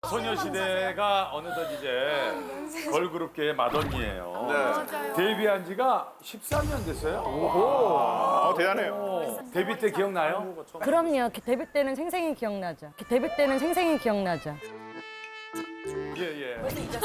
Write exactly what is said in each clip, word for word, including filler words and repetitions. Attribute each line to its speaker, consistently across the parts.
Speaker 1: 소녀시대가 어느덧 이제 걸그룹계의 마더니예요.
Speaker 2: 네.
Speaker 1: 데뷔한 지가 십삼 년 됐어요.
Speaker 2: 아, 대단해요.
Speaker 1: 오, 데뷔 때 기억나요?
Speaker 3: 그럼요. 데뷔 때는 생생히 기억나죠. 데뷔 때는 생생히 기억나죠.
Speaker 1: 예, 예.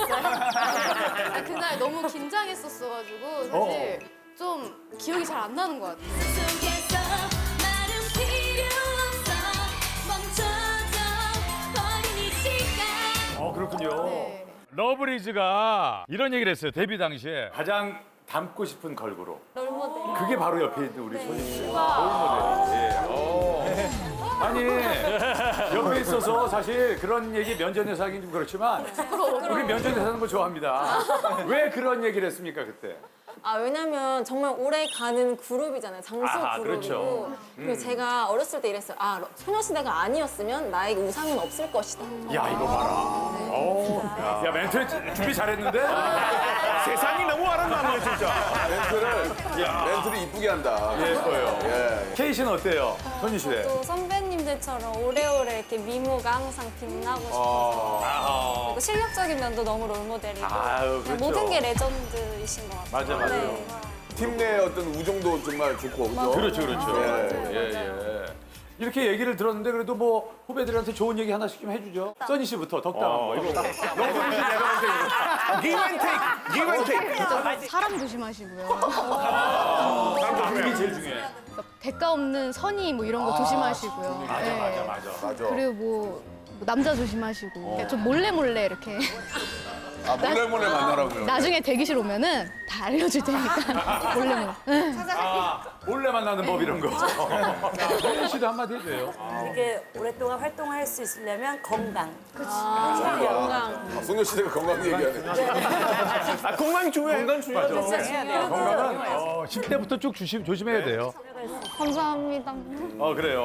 Speaker 4: 아, 그날 너무 긴장했었어가지고 사실 좀 기억이 잘 안 나는 것 같아요.
Speaker 5: 속에서 말은 필요 없어 멈춰져 버린 이 시간
Speaker 1: 어, 그렇군요.
Speaker 4: 네.
Speaker 1: 러브리즈가 이런 얘기를 했어요. 데뷔 당시에 가장 닮고 싶은 걸그룹.
Speaker 4: 롤모델.
Speaker 1: 그게 바로 옆에 있는 우리 소녀시대. 롤모델. 예. 어. 아니, 옆에 있어서 사실 그런 얘기 면전에서 하긴 좀 그렇지만 우리 면전에서 하는 거 좋아합니다. 왜 그런 얘기를 했습니까, 그때?
Speaker 6: 아 왜냐면 정말 오래 가는 그룹이잖아요. 장수
Speaker 1: 아하,
Speaker 6: 그룹이고.
Speaker 1: 그렇죠.
Speaker 6: 그리고 제가 어렸을 때 이랬어요. 아 소녀시대가 아니었으면 나에게 우상은 없을 것이다.
Speaker 1: 야, 이거 봐라. 어, 야, 멘트 준비 잘했는데?
Speaker 2: 세상이 너무 아름다워요, 진짜.
Speaker 7: 멘트를, 멘트를 이쁘게 한다.
Speaker 1: 예뻐요.
Speaker 7: 예.
Speaker 1: 케이 씨는 어때요? 소녀시대.
Speaker 8: 또 선배님들처럼 오래오래 이렇게 미모가 항상 빛나고 싶어서
Speaker 1: 아,
Speaker 8: 그리고 실력적인 면도 너무 롤모델이고
Speaker 1: 아유,
Speaker 8: 그냥
Speaker 1: 그렇죠.
Speaker 8: 모든 게 레전드이신 것 같아요.
Speaker 1: 맞아, 맞아요.
Speaker 8: 네.
Speaker 7: 팀 내 어떤 우정도 정말 좋고, 그죠?
Speaker 1: 그렇죠, 그렇죠.
Speaker 7: 예.
Speaker 1: 예, 예. 이렇게 얘기를 들었는데 그래도 뭐 후배들한테 좋은 얘기 하나씩 좀 해주죠. 써니 씨부터 덕담. 어, 이거 너무 내가 볼때 이거.
Speaker 2: Give and take, give and take.
Speaker 4: 사람 조심하시고요.
Speaker 1: 그게 제일 중요해.
Speaker 4: 대가 없는 선의 뭐 이런 거 조심하시고요.
Speaker 1: 맞아,
Speaker 4: 네.
Speaker 1: 맞아, 맞아.
Speaker 7: 맞아.
Speaker 4: 그리고 뭐, 뭐 남자 조심하시고 좀 몰래 몰래 이렇게
Speaker 7: 아, 몰래 몰래 만나라고요.
Speaker 4: 나중에 대기실 오면은 다 알려줄 테니까 몰래 몰래.
Speaker 1: 아, 몰래 만나는 법 이런 거. 써니 씨도 한마디 해줘요.
Speaker 3: 이게 오랫동안 활동할 수 있으려면 건강.
Speaker 7: 아, 소녀시대가 건강 얘기하네.
Speaker 2: 아, 건강 중요해. 건강 중요해.
Speaker 1: 건강은 어, 십 대부터 쭉 조심, 조심해야 돼요.
Speaker 4: 감사합니다.
Speaker 1: 어, 그래요.